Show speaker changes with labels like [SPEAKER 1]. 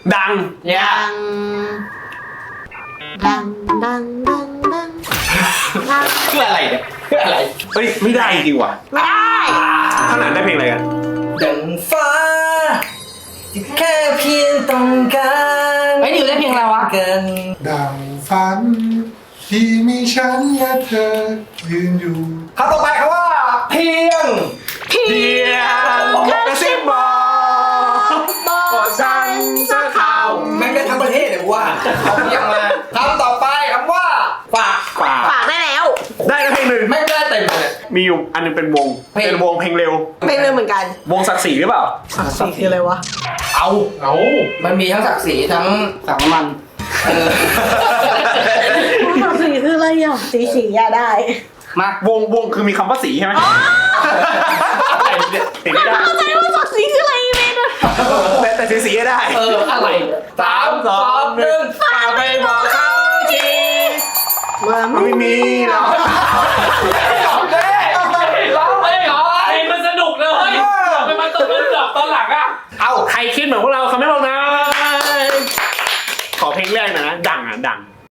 [SPEAKER 1] ดัง
[SPEAKER 2] เนี่ย
[SPEAKER 3] ดัง
[SPEAKER 2] เพื่ออะไรเนี่ยเพื่ออะไร
[SPEAKER 1] เฮ้ยไม่ได้จริงว่ะ
[SPEAKER 3] ไม่ได้
[SPEAKER 1] ข้างหลังได้เพลงอะไรกัน
[SPEAKER 2] ดังฟ้าที่แค่เพียงต้องการไอ้ดิวได้เพลงอะไรวะกัน
[SPEAKER 4] ดังฝันที่มีฉันและเธอยืนอยู่
[SPEAKER 2] คำต่อไปคำว่าเพียง
[SPEAKER 1] เพียงกระซิบบอกว่าฉันจะเข้า
[SPEAKER 2] แม่งได้ทั้งประเทศเลยว่าเอาเพียงมาคำต่อไปคำว่าฝาก
[SPEAKER 1] ฝาก
[SPEAKER 3] ฝากได้แล้ว
[SPEAKER 1] ได้แล้วเพลงหนึ่ง
[SPEAKER 2] ไม่ได้เต็มเลย
[SPEAKER 1] มีอยู่อันหนึงเป็นวง
[SPEAKER 2] เพลง
[SPEAKER 1] เป็นวงเพลงเร็ว
[SPEAKER 3] เป็นเลยเหมือนกัน
[SPEAKER 1] วงศักดิ์ศรีหรือเปล่า
[SPEAKER 3] สีคืออะไรวะ
[SPEAKER 2] เอามันมีทั้งศักดิ์ศรีทั้งสังมัน
[SPEAKER 3] สีคืออะไรอ่ะสีอะได้
[SPEAKER 2] มาว
[SPEAKER 1] งคือมีคำว่าสีใช่ไหมเห็นไม่ได้
[SPEAKER 3] เข้าใจว่าสักสีคืออะไรเมน
[SPEAKER 1] แต่สีได้
[SPEAKER 2] อะไร3 2 1
[SPEAKER 1] ฝากไปบอกเขาที
[SPEAKER 3] ว่า
[SPEAKER 1] ไม่มีหรอก
[SPEAKER 2] ร้องเลยร้องเลยเหรอ
[SPEAKER 5] เพลงมันสนุกเลยทำไมมันต้องมันดับตอนหลังอ่ะ
[SPEAKER 1] เอาใครคิดเหมือนพวกเราเขาไม่บอกนะ ขอเพลงแรกหน่อยนะ ดังอ่ะดัง